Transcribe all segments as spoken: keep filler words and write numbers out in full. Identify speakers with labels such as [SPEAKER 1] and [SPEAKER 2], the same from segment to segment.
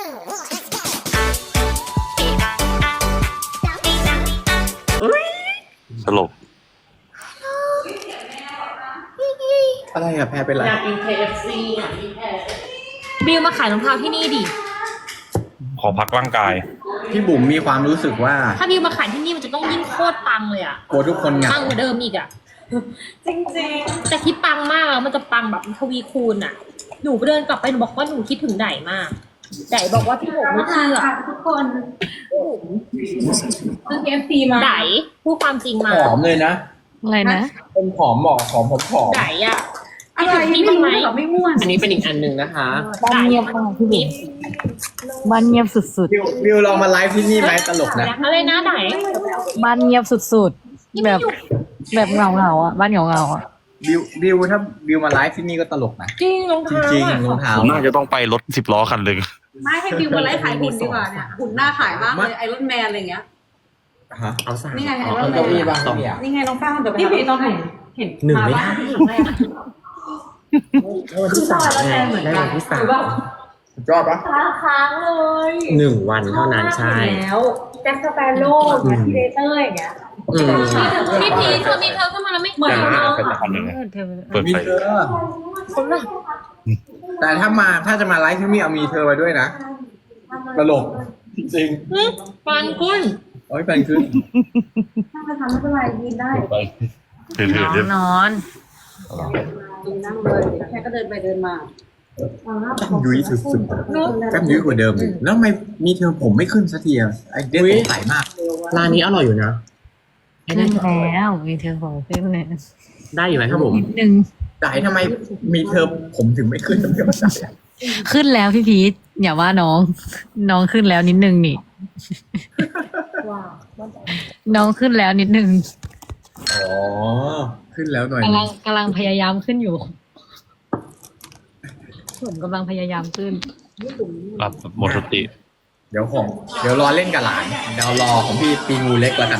[SPEAKER 1] สลบ
[SPEAKER 2] อะไรอะแพรเป็นไร
[SPEAKER 3] อยากกิน เค เอฟ ซี อ่ะพี่แพร
[SPEAKER 4] บิวมาขายรองเท้าที่นี่ดิ
[SPEAKER 1] ขอพักร่างกาย
[SPEAKER 2] พี่บุ๋มมีความรู้สึกว่า
[SPEAKER 4] ถ้าบิวมาขายที่นี่มันจะต้องยิ่งโคตรปังเลยอ่ะ
[SPEAKER 2] กลัวทุกคนเหงา
[SPEAKER 4] ปังกว่าเดิมอีกอ่ะ
[SPEAKER 3] จริง
[SPEAKER 4] แต่ที่ปังมากแล้วมันจะปังแบบทวีคูณอ่ะ หนูเดินกลับไปหนูบอกว่าหนูคิดถึงไดมากไดบอกว่าพี่ผมไม่เชื่อ
[SPEAKER 3] ทุกคนซื้อ เค เอฟ ซี มา
[SPEAKER 4] ไดพูดความจริงมา
[SPEAKER 2] ผอมเลยนะ
[SPEAKER 5] อะไรนะ
[SPEAKER 2] เป็นผอมบอกผอมผมผอม
[SPEAKER 4] ไดอ่ะ
[SPEAKER 3] อะไรไม่รู้เหรอไม่ม่วน
[SPEAKER 6] อันนี้เป็นอีกอันหนึ่งนะคะ
[SPEAKER 5] บ้านเงียบมากพี่บิ๊กบ้านเงียบสุด
[SPEAKER 2] วิววิวลองมาไลฟ์ที่นี่ไหมตลกนะ
[SPEAKER 4] อะไรนะได
[SPEAKER 5] ๆ บ้านเงียบสุดๆ แบบแบบเงาเงาๆอ่ะ บ้านเงาเงาๆอ่ะ
[SPEAKER 2] วิววิวถ้าวิวมาไลฟ์ที่นี่ก็ตลกนะ
[SPEAKER 4] จริงรอง
[SPEAKER 2] จ
[SPEAKER 4] เท้า
[SPEAKER 2] ริง
[SPEAKER 4] อ่ะ
[SPEAKER 2] ๆรองเท้า
[SPEAKER 1] ผมน่าจะต้องไปรถสิบล้อคันหนึ่ง
[SPEAKER 3] ไม่ให้บิวมาไลฟ์ขายหุ่นดีกว่าเนี่ยหุ่นหน้าขายมากเลยไอรอนแมนอะไรเงี้ย
[SPEAKER 2] ฮะ
[SPEAKER 6] เอาสาม
[SPEAKER 3] นี่ไงไอ
[SPEAKER 6] อ๋อ
[SPEAKER 3] รอนแม
[SPEAKER 6] เก้าน อี้บ้าง
[SPEAKER 2] สอง
[SPEAKER 3] นี่ไงน้องฟ้าเดี๋ยวไปหาพี่ต้องเห็นเห็น
[SPEAKER 6] หนึ่งไม่ได้
[SPEAKER 3] คือซอยแล้วแมนเหมือน
[SPEAKER 6] ได้
[SPEAKER 3] กั
[SPEAKER 6] วัน นที่สาม
[SPEAKER 2] สุดยอดปะ
[SPEAKER 4] ค้างเลย
[SPEAKER 6] หนึ่งวันเท่านั้นใช่
[SPEAKER 3] แล้วแจ็คสเปโร่แมททีเดเตอร์อย่างเงี้ย
[SPEAKER 6] อืม
[SPEAKER 4] พี่พีเธอมีเธอขึ้นมาแล้วไม่เหมือน
[SPEAKER 1] แต่
[SPEAKER 4] เรา
[SPEAKER 1] เป็นคันหนึ่งเปิด
[SPEAKER 2] มี
[SPEAKER 1] ไฟ
[SPEAKER 2] เธอ
[SPEAKER 4] คนละ
[SPEAKER 2] แต่ถ้ามาถ้าจะมาไลฟ์ที่นี่เอามีเธอมาด้วยนะตลกจริง
[SPEAKER 4] ฟันกุ้น
[SPEAKER 2] ๆโอ้ยแฟนขึ้น
[SPEAKER 3] ถ้าจะทำไม่เป็นไรยินได้
[SPEAKER 1] ถือถือเดี๋ยวน
[SPEAKER 5] อน
[SPEAKER 3] ยินนั่งเลยแค่ก็เดินไปเดินมา
[SPEAKER 2] แก้มยุ้ยสุดๆแก้มยุ้ยกว่าเดิมอีกแล้วทำไมมีเธอผมไม่ขึ้นสักทีอะไอเด็กสงสัยมาก
[SPEAKER 6] ร้านนี้อร่อยอยู่นะ
[SPEAKER 5] ขึ้นแล้วมีเธอบอกขึ้นเลย
[SPEAKER 6] ได้อยู่ไหมครับผม
[SPEAKER 5] นิดนึง
[SPEAKER 2] แต่ทำไมมีเธอผมถึงไม่ขึ้นไม่เข้าใจอะ
[SPEAKER 5] ขึ้นแล้วพี่พีทอย่าว่าน้อง น้องขึ้นแล้วนิดนึงนี่ น้องขึ้นแล้วนิดนึง
[SPEAKER 2] อ๋อขึ้นแล้วหน่อย
[SPEAKER 5] กำลังกำลังพยายามขึ้นอยู่ผมกำลังพยายามขึ้น
[SPEAKER 1] รับหมดสติ
[SPEAKER 2] เดี๋ยวของเดี๋ยวรอเล่นกับหลานเดี๋ยวรอของพี่ปีงูเล็กแล้วกัน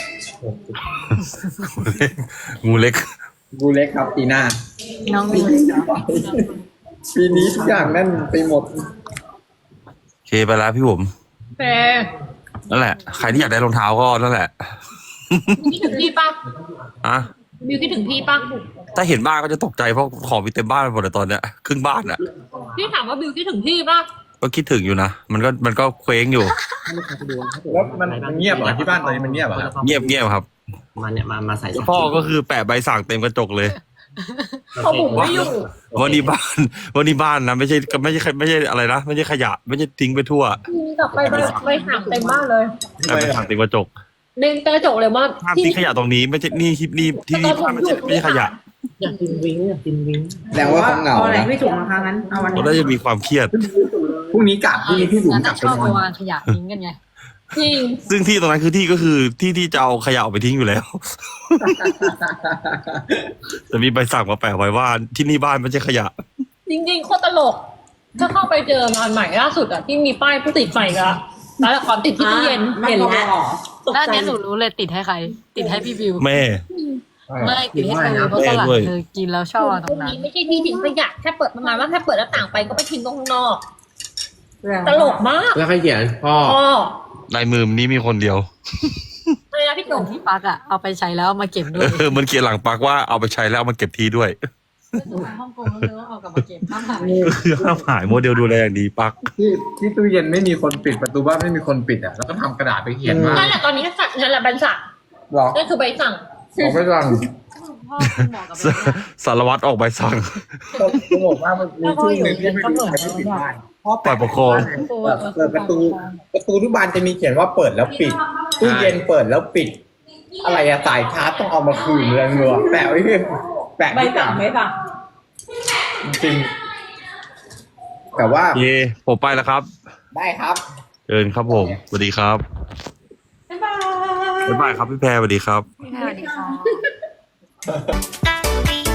[SPEAKER 1] งูเล็ก
[SPEAKER 2] งูเล็กครับปีหน้า
[SPEAKER 5] น้องมี
[SPEAKER 2] ปีนี้ทุกอย่างแน่นไปหมด
[SPEAKER 1] โอเคไปแล้วพี่ผม
[SPEAKER 4] แต่
[SPEAKER 1] นั่นแหละ ใครที่อยากได้รองเท้าก็นั่นแหละ
[SPEAKER 4] คิดถึงพี่ปะ
[SPEAKER 1] อะ
[SPEAKER 4] บิวคิดถึงพี่ปะ
[SPEAKER 1] ถ้าเห็นบ้านก็จะตกใจเพราะของมีเต็มบ้านไปหมดเลยตอนเนี้ยครึ่งบ้านอะ
[SPEAKER 4] พี่ถามว่าบิวคิดถึงพี่ปะ
[SPEAKER 1] ก็คิดถึงอยู่นะ มันก็มันก็เคว้งอยู่
[SPEAKER 2] แล้วมันมันเงียบเหรอที่บ้านตอนนี้มันเงียบเหรอครับ
[SPEAKER 1] เงียบเงียบครับ
[SPEAKER 6] มาเนี่ยมามาใส่
[SPEAKER 1] พ่อก็คือแปะใบสั่งเต็มกระจกเลย
[SPEAKER 4] เขาบุ๋มไม่อยู่
[SPEAKER 1] วันนี้บ้านวันนี้บ้านนะไม่ใช่ไม่ใช่ไม่ใช่อะไรนะไม่ใช่ขยะ ไม่ใช่ทิ้งไปทั่ว
[SPEAKER 4] กลับไปไปไปถามเต็มบ้านเลย
[SPEAKER 1] แปะใบสั่งเต็มกระจก
[SPEAKER 4] เดินกระจกเลยว่า
[SPEAKER 1] ห้ามทิ้งขยะตรงนี้ไม่ใช่นี่ที่นี่ที่นี่บ้านไม่ใช่ไม่ใช่ขยะ
[SPEAKER 6] อยากกินวิ้งอยากกินวิ้ง
[SPEAKER 2] แสดงว่าเขาเหงา
[SPEAKER 3] เอาอะไร
[SPEAKER 2] นะ
[SPEAKER 3] ไม่ถูกนะคะงั้นเอาวัน
[SPEAKER 1] เรา
[SPEAKER 3] นี้
[SPEAKER 1] ได้จะมีความเครียด
[SPEAKER 2] พรุ่งนี้กลับพรุ่งนี้พี่บุ๋ม
[SPEAKER 5] แล้ว
[SPEAKER 2] กลั
[SPEAKER 5] ถ้า
[SPEAKER 2] บ
[SPEAKER 5] ช
[SPEAKER 2] ไป
[SPEAKER 5] อบ
[SPEAKER 2] นอน
[SPEAKER 5] มาวางขยะทิ้งกันไง
[SPEAKER 4] จริง
[SPEAKER 1] ซึ่งที่ตรงนั้นคือที่ก็คือที่ที่จะเอาขยะออกไปทิ้งอยู่แล้ว จะมีใบสั่งมาแปะไว้ว่าที่นี่บ้านไม่ใช่ขยะ
[SPEAKER 4] จริงๆโคตรตลก ถ้าเข้าไปเจองานใหม่ล่าสุดอะที่มีป้ายผู้ติดใหม่ละแล้วละครติดที่ตู้เย็นเห็นแล้ว
[SPEAKER 5] ด้านนี้หนูรู้เลยติดให้ใคร ติดให้พี่บิว
[SPEAKER 1] แม่
[SPEAKER 5] ไม่ติดให้เธอเพราะตลาดเธอกินแล้วชอบเอาตรงนั้น
[SPEAKER 4] นี้ไม่ใช่ที่ทิ้งขยะแค่เปิดประมาณว่าแค่เปิดหน้าต่างไปก็ไปทิ้งตรงข้างนอก ตลกมาก
[SPEAKER 6] แล้วใครเขียนพ่อ
[SPEAKER 4] พ่อ
[SPEAKER 1] ลายมือนี้มีคนเดียว
[SPEAKER 4] อะไรนะพี่
[SPEAKER 5] เหมื
[SPEAKER 4] ตุ๋
[SPEAKER 5] อน
[SPEAKER 4] ม
[SPEAKER 5] ที่ปักอะเอาไปใช้แล้วเอามาเก็บด้ว
[SPEAKER 1] เอย อมันเขียนหลังปักว่าเอาไปใช้แล้วเอามาเก็บทีด้วย
[SPEAKER 5] ฮ่องกงแล้วเธอเอากลับมาเก็บข้ามหาย
[SPEAKER 1] คือห้ามหายโมเดลดูแลอย่างดีปัก
[SPEAKER 2] ที่ที่ตู้เย็นไม่มีคนปิดประตูบ้านไม่มีคนปิดอ่ะแล้วก็ทำกระดาษไปเขียนว่า
[SPEAKER 4] นั่นแหละตอนนี้ก็สั่งนั่นแหละใบสั่ง
[SPEAKER 2] หรอ
[SPEAKER 4] นั่นคือใบสั่ง
[SPEAKER 2] ผมไม่ฟัง
[SPEAKER 5] พ่อคุณหมอกับแม่
[SPEAKER 1] สารวัตรออกใบสั่ง
[SPEAKER 2] ผมบอกว่ามันมีช่วงหนึ่งที่ไม่มีใครที่ปิดบ้านเพราะ
[SPEAKER 1] ฝ่ายปกครอง
[SPEAKER 2] เปิดประตูประตูทุกบานจะมีเขียนว่าเปิดแล้วปิดตู้เย็นเปิดแล้วปิด อะไรอะสายชาร์จต้องเอามาคืนเรื่องเงือแปะไว้เพื่อแปะ
[SPEAKER 3] ใบ
[SPEAKER 2] ที่
[SPEAKER 3] สั่
[SPEAKER 2] ต่าง ง
[SPEAKER 3] ไหมป่ะ
[SPEAKER 2] จริงๆแต่ว่า
[SPEAKER 1] เย่ผมไปแล้วครับ
[SPEAKER 2] ได้ครับ
[SPEAKER 1] เชิญครับผมสวัสดีครับ
[SPEAKER 3] บ๊ายบาย
[SPEAKER 1] บ๊ายบายครับพี่แพรสวัสดีครับ
[SPEAKER 5] สวัสดีค่ะ